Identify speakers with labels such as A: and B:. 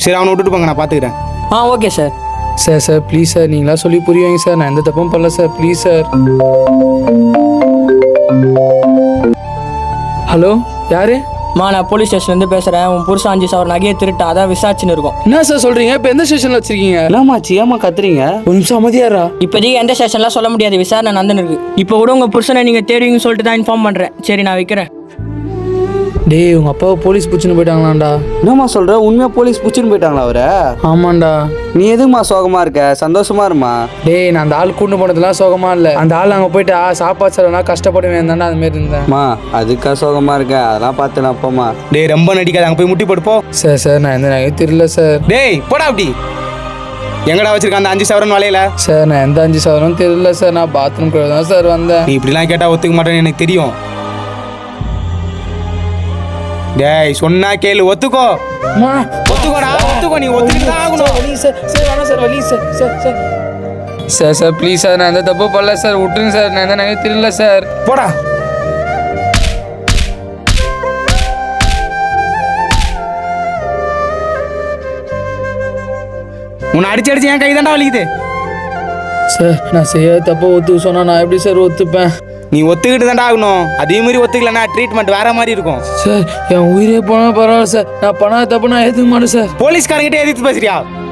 A: சரி அவனை விட்டுட்டு போங்க, நான் பார்த்துக்கிறேன்.
B: Okay sir.
C: Sir please sir, நீங்களா சொல்லி புரிய வைங்க சார். நான் எந்த தப்பும் பண்ணல சார், ப்ளீஸ் சார். ஹலோ, யாரு?
B: நான் போலீஸ் ஸ்டேஷன்லேருந்து பேசுகிறேன். உன் புருஷன் 5,000 நகையை திருட்டான், அதான் விசாரிச்சுன்னு இருக்கோம்.
C: என்ன சார் சொல்கிறீங்க? இப்போ எந்த ஸ்டேஷனில் வச்சுருக்கீங்க?
A: என்னமாச்சு, ஏமா கத்துறீங்க?
C: ஒரு நிமிஷம் அமைதியாரா.
B: இப்போதைக்கு எந்த ஸ்டேஷன்லாம் சொல்ல முடியாது, விசாரணை நடந்துன்னு இருக்கு. இப்போ கூட உங்கள் புருஷனை நீங்கள் தேடுவீங்கன்னு சொல்லிட்டு தான் இன்ஃபார்ம் பண்ணுறேன். சரி, நான் வைக்கிறேன்.
C: டேய், உங்கள் அப்பாவை போலீஸ் பிடிச்சின்னு போயிட்டாங்களாண்டா.
A: என்னம்மா சொல்கிற? உண்மையாக போலீஸ் பிடிச்சின்னு போயிட்டாங்களா அவரை?
C: ஆமாண்டா.
A: நீ எதுக்குமா சோகமாக இருக்க? சந்தோஷமா இருமா.
C: டேய், நான் அந்த ஆள் கூண்டு போனதுலாம் சோகமாக இல்லை. அந்த ஆள் அங்கே போயிட்டு சாப்பாடு செலவுனா கஷ்டப்படுவேன் தானே, அதுமாரி இருந்தேன்மா.
A: அதுக்கா சோகமாக இருக்க? அதெல்லாம் பார்த்து நான் அப்போம்மா. டேய், ரொம்ப நடிக்காத, அங்கே போய் முட்டி போட்டுப்போ.
C: சார் நான் எந்த நகையும் தெரியல சார்.
A: டேய் போடா அப்படி. எங்கடா வச்சிருக்க அந்த 5,000 வலையில?
C: சார் நான் எந்த 5,000 தெரியல சார். நான் பாத்ரூம் கூட தான் சார் வந்தேன்.
A: நீ இப்படிலாம் கேட்டால் ஒத்துக்க மாட்டேன்னு எனக்கு தெரியும். டேய் சொன்னா கேளு, ஒத்துக்கோ. ஒத்துக்கோடா, ஒத்துக்கோ. நீ ஒத்துக்கிட்டு ஆகணும்.
C: சார் ப்ளீஸ் சார், நான் எந்த தப்பு பண்ணல சார், விட்டுருங்க சார். நான் எந்த நகையும் தெரியல சார்.
A: போடா. உன்னை அடிச்சு என் கை தாண்டா வலிக்குது.
C: சார் நான் செய்யாத தப்ப ஒத்துக்க சொன்னா நான் எப்படி சார் ஒத்துப்பேன்?
A: நீ ஒத்துக்கிட்டு தாண்டா ஆகணும். அதே மாதிரி ஒத்துக்கலன்னா ட்ரீட்மெண்ட் வேற மாதிரி இருக்கும்.
C: சார் என் உயிரே போனால் பரவாயில்ல சார். நான் பண்ணாத தப்பு நான் ஏற்றுக்க மாட்டேன் சார்.
A: போலீஸ்காரங்கிட்ட எதிர்த்து பேசுறியா?